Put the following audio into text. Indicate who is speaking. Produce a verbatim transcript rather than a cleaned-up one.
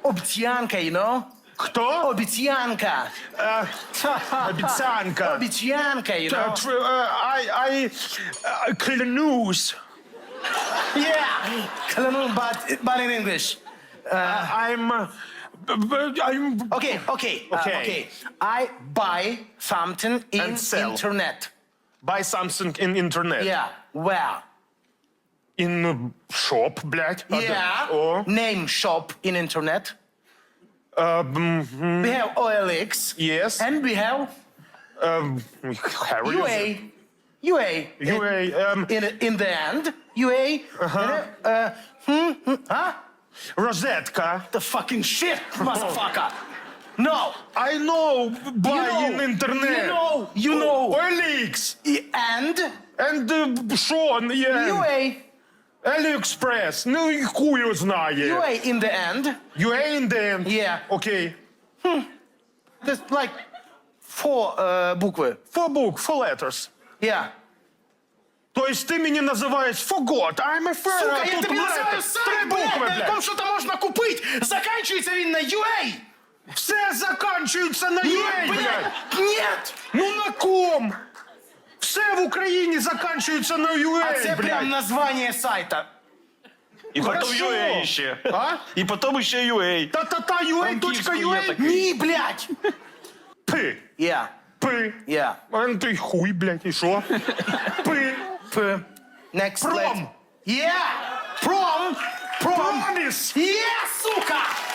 Speaker 1: обіцянка, you know?
Speaker 2: Хто?
Speaker 1: Обіцянка.
Speaker 2: Е, Обіцянка.
Speaker 1: Обіцянка, you
Speaker 2: Та,
Speaker 1: know?
Speaker 2: тр- е, I, I, е, клянусь.
Speaker 1: Yeah. Клянусь, but, but in English.
Speaker 2: I'm, е, б- I'm...
Speaker 1: Okay, okay, uh,
Speaker 2: Okay.
Speaker 1: okay. I buy something in
Speaker 2: And sell.
Speaker 1: internet.
Speaker 2: Buy something in internet.
Speaker 1: Yeah, where?
Speaker 2: In shop, блядь. А де?
Speaker 1: Yeah.
Speaker 2: О.
Speaker 1: Name shop in internet.
Speaker 2: Е, м,
Speaker 1: We have O L X.
Speaker 2: Yes.
Speaker 1: And we have
Speaker 2: ем, Harry.
Speaker 1: U A. U A.
Speaker 2: U A, ем,
Speaker 1: In, in the end, U A. Uh-huh. Uh, hmm, hmm, huh?
Speaker 2: розетка.
Speaker 1: The fucking shit, motherfucker. No.
Speaker 2: I know, buy
Speaker 1: You know.
Speaker 2: in internet.
Speaker 1: You know. You know.
Speaker 2: O L X.
Speaker 1: And
Speaker 2: And uh, що? є?
Speaker 1: U A.
Speaker 2: AliExpress. Ну, і хуй його знає.
Speaker 1: U A in the end.
Speaker 2: U A in the end.
Speaker 1: Yeah.
Speaker 2: Окей.
Speaker 1: There's like four uh, букви.
Speaker 2: Four book, four letters.
Speaker 1: Yeah.
Speaker 2: Тобто ти мені називаєш forgot, I'm a friend.
Speaker 1: Сука,
Speaker 2: а
Speaker 1: я
Speaker 2: тут
Speaker 1: тобі
Speaker 2: letter.
Speaker 1: називаю
Speaker 2: Три
Speaker 1: сайт,
Speaker 2: букви,
Speaker 1: блядь, на
Speaker 2: блядь.
Speaker 1: якому що-то можна купити. Заканчується він на U A.
Speaker 2: Все закінчується на U A,
Speaker 1: Ні,
Speaker 2: блядь.
Speaker 1: блядь, нет.
Speaker 2: Ну на ком? Все в Україні закінчується на U A,
Speaker 1: А це
Speaker 2: блядь.
Speaker 1: прям названня сайта.
Speaker 3: І потім
Speaker 2: Хорошо.
Speaker 3: ю ей ще.
Speaker 2: А?
Speaker 3: І потім ще ю ей.
Speaker 2: Та-та-та, ю ей точка
Speaker 3: Франківську
Speaker 2: ю
Speaker 3: є
Speaker 2: ей.
Speaker 3: такий.
Speaker 1: Ні, блядь.
Speaker 2: Пи.
Speaker 1: Yeah.
Speaker 2: Пи.
Speaker 1: Yeah.
Speaker 2: А ну ти хуй, блядь, і що? Пи.
Speaker 1: P. Next
Speaker 2: Prom.
Speaker 1: letter. Yeah. Prom. Prom.
Speaker 2: Проміс.
Speaker 1: Yeah, сука.